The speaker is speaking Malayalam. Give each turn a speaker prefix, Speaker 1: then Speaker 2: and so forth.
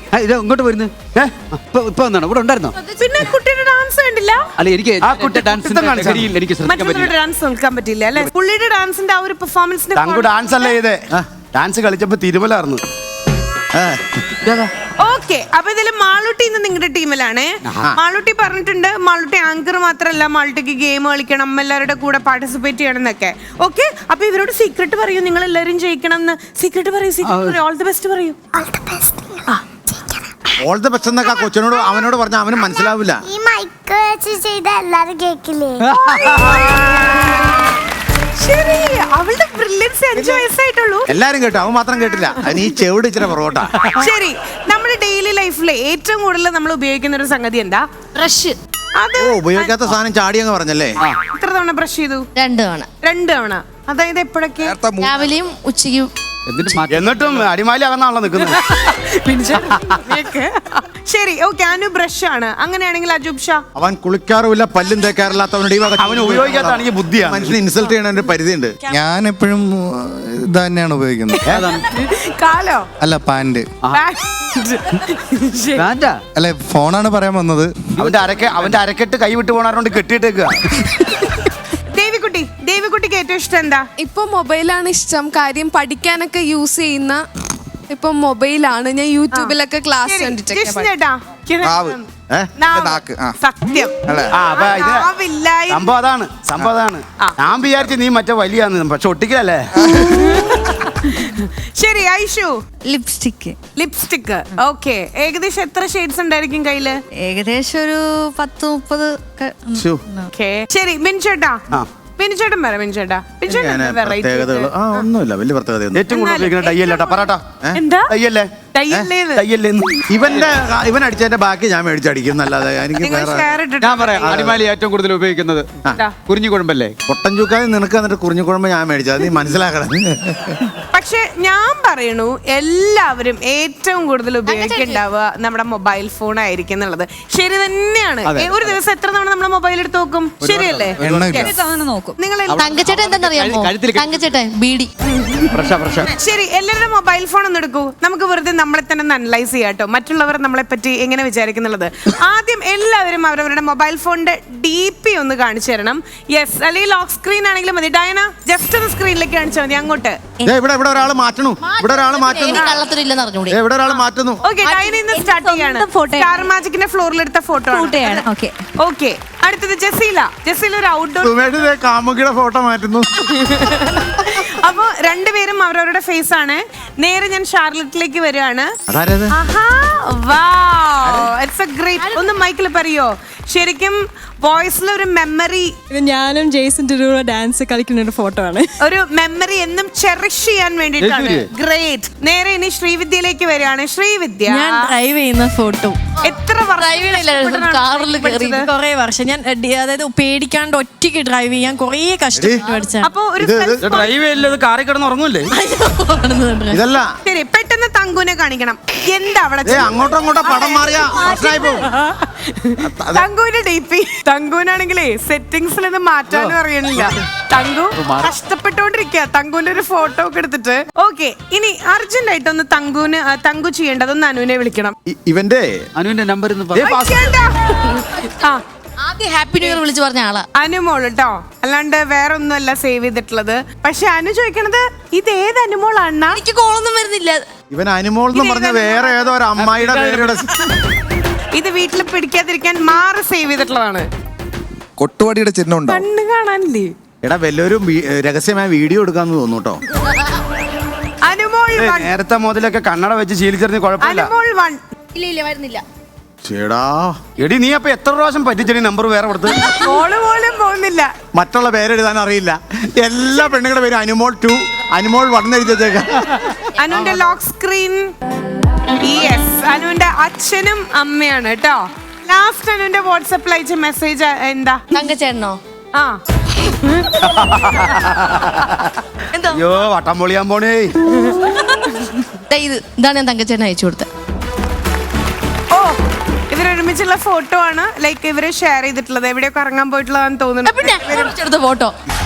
Speaker 1: ഇത് ഇങ്ങോട്ട് വരുന്നു. ഇപ്പൊ വന്നാണ് ഇവിടെ ഉണ്ടായിരുന്നോ?
Speaker 2: പിന്നെ കുട്ടിയുടെ ഡാൻസ് കണ്ടില്ല?
Speaker 1: അല്ല എനിക്ക് ആ കുട്ടി ഡാൻസിന്റെ കരിയിൽ എനിക്ക്
Speaker 2: മറ്റുള്ളവരുടെ ഡാൻസ് നോക്കാൻ പറ്റില്ല അല്ലെ? പുള്ളിയുടെ ഡാൻസിന്റെ ആ ഒരു പെർഫോമൻസിന്റെ
Speaker 3: ഡാൻസ് അല്ലേ ഇത്? ഡാൻസ് കളിച്ചപ്പോ തിരുമലായിരുന്നു.
Speaker 2: ഓക്കെ, അപ്പൊ ഇതില് മാളൂട്ടി ഇന്ന് നിങ്ങളുടെ ടീമിലാണ്. മാളൂട്ടി പറഞ്ഞിട്ടുണ്ട് മാളൂട്ടി ആങ്കർ മാത്രല്ല, മാളൂട്ടിക്ക് ഗെയിം കളിക്കണം, എല്ലാവരുടെ കൂടെ പാർട്ടിസിപ്പേറ്റ് ചെയ്യണം എന്നൊക്കെ. ഓക്കെ, അപ്പൊ ഇവരോട് സീക്രട്ട് പറയൂ, നിങ്ങൾ എല്ലാവരും ജയിക്കണം എന്ന്. സീക്രട്ട് പറയൂ, സീക്രട്ട് ഓൾ ദി ബെസ്റ്റ് പറയൂ.
Speaker 4: ഓൾ ദി ബെസ്റ്റ് എന്നൊക്കെ കൊച്ചിനോട് അവനോട് പറഞ്ഞാൽ അവന് മനസ്സിലാവില്ല.
Speaker 5: ഈ മൈക്ക് വെച്ച് ചെയ്ത എല്ലാരും കേക്കില്ലേ?
Speaker 2: ശരി, അവളുടെ ബ്രില്യൻസ് 5 വയസ്സായിട്ടുള്ളൂ.
Speaker 4: എല്ലാരും കേട്ടു, അവൻ മാത്രം കേട്ടില്ല. അതിന് ഈ ചെവിട് ഇച്ചിരി പുറകോട്ടാ.
Speaker 2: ശരി, നമ്മുടെ ഡെയിലി ലൈഫിലെ ഏറ്റവും കൂടുതൽ നമ്മൾ ഉപയോഗിക്കുന്ന ഒരു സംഗതി എന്താ?
Speaker 6: ബ്രഷ്.
Speaker 2: അത്
Speaker 4: ഉപയോഗിക്കാത്ത സാധനം ചാടിയങ്ങ് പറഞ്ഞല്ലേ?
Speaker 2: എത്ര തവണ ബ്രഷ് ചെയ്തു?
Speaker 6: 2
Speaker 2: തവണ. അതായത് എപ്പോഴൊക്കെ?
Speaker 6: രാവിലെയും ഉച്ചയ്ക്കും.
Speaker 3: എന്നിട്ടും അടിമാലി അകന്നാണല്ലോ നിൽക്കുന്നത്.
Speaker 2: ശരി, ഓക്കെ, അനു ബ്രഷ് ആണ്. അങ്ങനെയാണെങ്കിൽ അജൂബ് ഷാ?
Speaker 4: അവൻ കുളിക്കാറുമില്ല, പല്ലും തേക്കാറില്ലാത്തവനോട്
Speaker 3: അവന് ഉപയോഗിക്കാത്താണെങ്കിൽ ബുദ്ധിയാണ്.
Speaker 4: മനുഷ്യനെ ഇൻസൾട്ട് ചെയ്യണ ഒരു പരിധിയുണ്ട്.
Speaker 7: ഞാൻ എപ്പോഴും ഇത് തന്നെയാണ് ഉപയോഗിക്കുന്നത്.
Speaker 2: കാലോ?
Speaker 7: അല്ല, പാന്റ്.
Speaker 1: പാന്റാ?
Speaker 7: അല്ലെ, ഫോണാണ് പറയാൻ വന്നത്.
Speaker 3: അവന്റെ അരക്കെട്ട് കൈ വിട്ട് പോണാരോണ്ട് കെട്ടിയിട്ടേക്കുക.
Speaker 2: ദേവിക്കുട്ടിക്ക് ഏറ്റവും ഇഷ്ടം എന്താ?
Speaker 8: ഇപ്പൊ മൊബൈലാണ് ഇഷ്ടം. കാര്യം പഠിക്കാനൊക്കെ യൂസ് ചെയ്യുന്ന ഇപ്പൊ മൊബൈലാണ്. ഞാൻ യൂട്യൂബിലൊക്കെ ക്ലാസ് കണ്ടിട്ടൊക്കെ.
Speaker 2: സത്യം
Speaker 3: സംഭവം അതാണ്. ഞാൻ വിചാരിച്ചു നീ മറ്റേ വലിയാന്ന്, പക്ഷെ ഒട്ടിക്കലല്ലേ.
Speaker 2: ശരി, ഐഷു?
Speaker 6: ലിപ്സ്റ്റിക്.
Speaker 2: ഓക്കെ, ഏകദേശം എത്ര ഷെയ്ഡ്സ് ഉണ്ടായിരിക്കും കയ്യില്?
Speaker 6: ഏകദേശം ഒരു 10-30.
Speaker 2: ശരി, മിൻചേട്ടാ? മിനിച്ചേട്ടൻ പറ. മിനിച്ചേട്ടാ,
Speaker 4: ഒന്നുമില്ല, വലിയ പ്രത്യേകത.
Speaker 3: ഏറ്റവും കൂടുതൽ ഉപയോഗിക്കുന്ന ഡൈ അല്ലേട്ടാ, പറട്ടാ.
Speaker 2: എന്താ
Speaker 4: ഇവൻ അടിച്ചതിന്റെ ബാക്കി ഞാൻ മേടിച്ചടിക്കുന്നല്ലാതെ എനിക്ക്
Speaker 1: ഞാൻ പറയാം. അടിമാലി ഏറ്റവും കൂടുതൽ ഉപയോഗിക്കുന്നത് കുറിഞ്ഞിക്കുഴമ്പല്ലേ?
Speaker 4: പൊട്ടൻ ചൂക്കാതെ നിനക്ക് എന്നിട്ട് കുറിഞ്ഞിക്കുഴമ്പ് ഞാൻ മേടിച്ചത് നീ മനസ്സിലാക്കണം.
Speaker 2: പക്ഷെ ഞാൻ പറയണു എല്ലാവരും ഏറ്റവും കൂടുതൽ ഉപയോഗിക്കുന്നുണ്ടാവുക നമ്മുടെ മൊബൈൽ ഫോൺ ആയിരിക്കും എന്നുള്ളത് ശരി തന്നെയാണ്. ഒരു ദിവസം എത്ര തവണ നമ്മുടെ മൊബൈൽ എടുത്ത് നോക്കും? ശരിയല്ലേ? നിങ്ങൾ
Speaker 6: തങ്കച്ചേട്ടൻ എന്താണെന്നറിയാമോ? തങ്കച്ചേട്ടൻ ബീഡി.
Speaker 2: ശരി, എല്ലാവരുടെ മൊബൈൽ ഫോൺ ഒന്ന് എടുക്കൂ. നമുക്ക് വെറുതെ നമ്മളെ തന്നെ ഒന്ന് അനലൈസ് ചെയ്യാം കേട്ടോ, മറ്റുള്ളവർ നമ്മളെ പറ്റി എങ്ങനെ വിചാരിക്കുന്നുള്ളത്. ആദ്യം എല്ലാവരും അവരവരുടെ മൊബൈൽ ഫോണിന്റെ DP ഒന്ന് കാണിച്ചു തരണം. യെസ്, അല്ലെങ്കിൽ ലോക്ക് സ്ക്രീൻ ആണെങ്കിലും മതി. ഡയന, ജസ്റ്റ് ഒന്ന് സ്ക്രീനിലേക്ക് കാണിച്ചാൽ മതി. അങ്ങോട്ട്
Speaker 4: ഇവിടെ ഒരാൾ മാറ്റണു. ഇവിടെ ഒരാൾ മാറ്റുന്നു.
Speaker 2: ഓക്കെ, ഡയന ഇന്ന് സ്റ്റാർട്ട് ചെയ്യാണ്. സ്റ്റാർ മാജിക്കിന്റെ ഫ്ലോറിലെടുത്ത ഫോട്ടോ ആണ്. ഓക്കെ, അടുത്തത് ജസീല. ജസീല ഒരു ഔട്ട്ഡോർ
Speaker 4: കാമുകിയുടെ ഫോട്ടോ മാറ്റുന്നു.
Speaker 2: അപ്പൊ രണ്ടുപേരും അവരവരുടെ ഫേസ് ആണ്. നേരെ ഞാൻ ഷാർലറ്റിലേക്ക് വരികയാണ്. ഒന്ന് മൈക്കിൽ പറയോ? ശരിക്കും വോയിസിൽ ഒരു മെമ്മറി.
Speaker 8: ഞാനും ജെയ്സന്റെ കൂടെ ഡാൻസ് കളിക്കുന്ന ഒരു ഫോട്ടോ ആണ്.
Speaker 2: ഒരു മെമ്മറി എന്നും ചെറിഷ് ചെയ്യാൻ വേണ്ടിയിട്ടാണ്. ഗ്രേറ്റ്. നേരെ ഇനി ശ്രീവിദ്യയിലേക്ക് വരികയാണ്. ശ്രീവിദ്യ,
Speaker 6: ഞാൻ ഡ്രൈവ് ചെയ്യുന്ന ഫോട്ടോ.
Speaker 2: എത്ര
Speaker 6: കാറിൽ കുറെ വർഷം ഞാൻ അതായത് പേടിക്കാണ്ട് ഒറ്റയ്ക്ക് ഡ്രൈവ് ചെയ്യാൻ കുറെ കഷ്ടപ്പെട്ട് പഠിച്ചാണ്.
Speaker 2: അപ്പൊ ഒരു
Speaker 3: ഡ്രൈവ് ചെയ്യല്ലേ, കാറിൽ കിടന്ന് ഉറങ്ങൂല്ലേ?
Speaker 4: ഇതല്ല,
Speaker 2: ശരി, പെട്ടെന്ന് തങ്കുനെ കാണിക്കണം. എന്താ അവിടെ
Speaker 4: അങ്ങോട്ടും പടം മാറിയ
Speaker 2: തങ്കുവിന്റെ DP. തങ്കുവിനാണെങ്കിലേ സെറ്റിംഗ്സിൽ നിന്ന് മാറ്റാനും അറിയണില്ല. തങ്കു കഷ്ടപ്പെട്ടുകൊണ്ടിരിക്കുക. തങ്കുവിന്റെ ഒരു ഫോട്ടോ ഒക്കെ എടുത്തിട്ട്. ഓക്കെ, ഇനി അർജന്റ് ആയിട്ട് ഒന്ന് തങ്കു ചെയ്യേണ്ടതൊന്ന് അനുവിനെ വിളിക്കണം.
Speaker 4: ഇവന്റെ
Speaker 1: അനുവിന്റെ നമ്പർ
Speaker 6: ആദ്യം ഹാപ്പി ന്യൂ ഇയർ വിളിച്ചു പറഞ്ഞ ആളാ
Speaker 2: അനുമോൾ കേട്ടോ, അല്ലാണ്ട് വേറെ ഒന്നുമല്ല സേവ് ചെയ്തിട്ടുള്ളത്. പക്ഷെ അനു ചോദിക്കണത് ഇത് ഏത് അനുമോളാണ്?
Speaker 6: എനിക്ക് കോളൊന്നും വരുന്നില്ല.
Speaker 4: ഇവൻ അനുമോൾ എന്ന് പറഞ്ഞ വേറെ ഏതോ ഒരു അമ്മായിയുടെ പേരുടെ.
Speaker 2: ഇത് വീട്ടിൽ പിടിക്കാതിരിക്കാൻ മാറി സേവ് ചെയ്തിട്ടുള്ളതാണ്.
Speaker 7: കൊട്ടുവാടിയുടെ ചിഹ്നം ഉണ്ടോ?
Speaker 2: കണ്ണ് കാണാനില്ലേ?
Speaker 4: എടാ, വല്ലൊരു രഹസ്യമായ വീഡിയോ എടുക്കാന്ന് തോന്നുന്നു കേട്ടോ.
Speaker 2: അനുമോൾ
Speaker 3: നേരത്തെ മുതലൊക്കെ കണ്ണട വെച്ച് ശീലിച്ചിരുന്ന കുഴപ്പമില്ല.
Speaker 2: അനുമോൾ 1.
Speaker 6: ഇല്ല വരുന്നില്ല.
Speaker 3: എടി, നീ അപ്പൊ എത്ര പ്രാവശ്യം പറ്റിച്ചെടി നമ്പർ വേറെ കൊടുത്ത്?
Speaker 2: പോലും പോകുന്നില്ല.
Speaker 4: മറ്റുള്ള പേരെഴുതാൻ അറിയില്ല. എല്ലാ പെണ്ണുങ്ങളുടെ പേരും അനുമോൾ 2, അനുമോൾ 1 എഴുതിയേക്ക.
Speaker 2: അനുവിന്റെ ലോക്ക് സ്ക്രീൻ. യെസ്, അനുവിന്റെ അച്ഛനും അമ്മയാണ് കേട്ടോ. ലാസ്റ്റ് അനുവിന്റെ വാട്സാപ്പിൽ അയച്ച മെസ്സേജ് എന്താ?
Speaker 6: തങ്കച്ചേട്ടനോ?
Speaker 3: അയ്യോ, വട്ടം പൊളിയാൻ പോണേ.
Speaker 6: ഇതാണ് ഞാൻ തങ്കച്ചേട്ടൻ അയച്ചു കൊടുത്തത്.
Speaker 2: ഇവരൊരുമിച്ചുള്ള ഫോട്ടോ ആണ്. ലൈക്ക് ഇവര് ഷെയർ ചെയ്തിട്ടുള്ളത്. എവിടെയൊക്കെ ഇറങ്ങാൻ പോയിട്ടുള്ളതാന്ന് തോന്നുന്നു.
Speaker 6: ഫോട്ടോ